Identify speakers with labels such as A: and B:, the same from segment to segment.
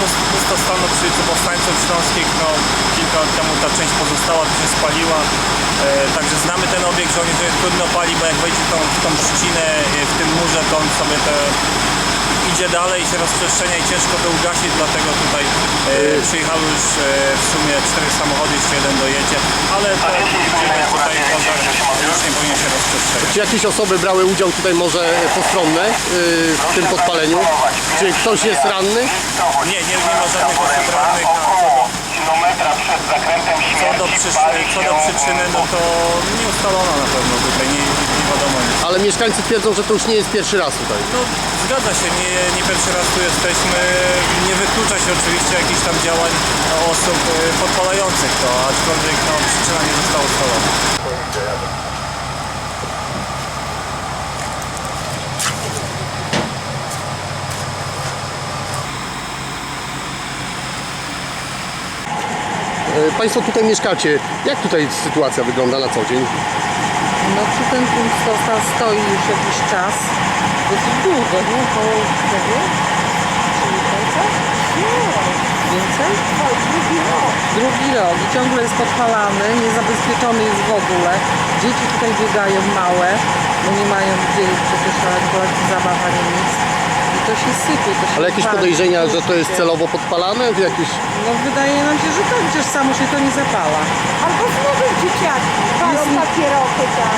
A: pustostanu przy ulicy Powstańców Śląskich. No, kilka lat temu ta część pozostała, to się spaliła. Także znamy ten obiekt, że on jest trudno pali, bo jak wejdzie w tą trzcinę w tym murze, to on sobie idzie dalej, się rozprzestrzenia i ciężko to ugasić, dlatego tutaj przyjechały już w sumie 4 samochody, jeszcze jeden dojedzie, ale to widzimy tutaj pożar już nie powinien się rozprzestrzeniać.
B: Czy jakieś osoby brały udział tutaj może postronne w tym podpaleniu? Czy ktoś jest ranny?
A: Nie ma żadnych osób rannych. Co do przyczyny, no to nie ustalono na pewno tutaj, nie wiadomo nic.
B: Ale mieszkańcy twierdzą, że to już nie jest pierwszy raz tutaj.
A: No zgadza się, nie pierwszy raz tu jesteśmy. Nie wyklucza się oczywiście jakichś tam działań osób podpalających to, aczkolwiek no, przyczyna nie została ustalona.
B: Państwo tutaj mieszkacie. Jak tutaj sytuacja wygląda na co dzień?
C: No czy ten pustostan stoi już jakiś czas? Dosyć długo, nie? Około tego? Czyli końca? Nie. Więcej? Drugi rok i ciągle jest podpalany, niezabezpieczony jest w ogóle. Dzieci tutaj biegają małe, bo nie mają gdzie przecież na kolekcji zabaw ani nic. I to się sypie, to się
B: Ale jakieś
C: pali.
B: podejrzenia, że to jest celowo podpalane? Jakieś...
C: No wydaje nam się, że tak, przecież samo się to nie zapala.
D: Albo znowu dzieciaki palą papierosy tam.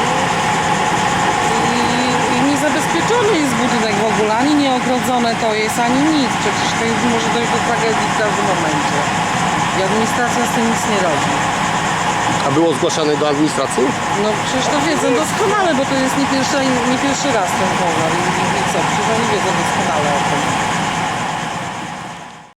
C: I niezabezpieczony jest budynek w ogóle, ani nieogrodzone to jest, ani nic. Przecież to już może dojść do tragedii w każdym momencie. I administracja z tym nic nie robi.
B: A było zgłaszane do administracji?
C: No przecież to wiedzą doskonale, bo to jest nie pierwszy raz ten pożar. I co, przecież oni wiedzą doskonale o tym.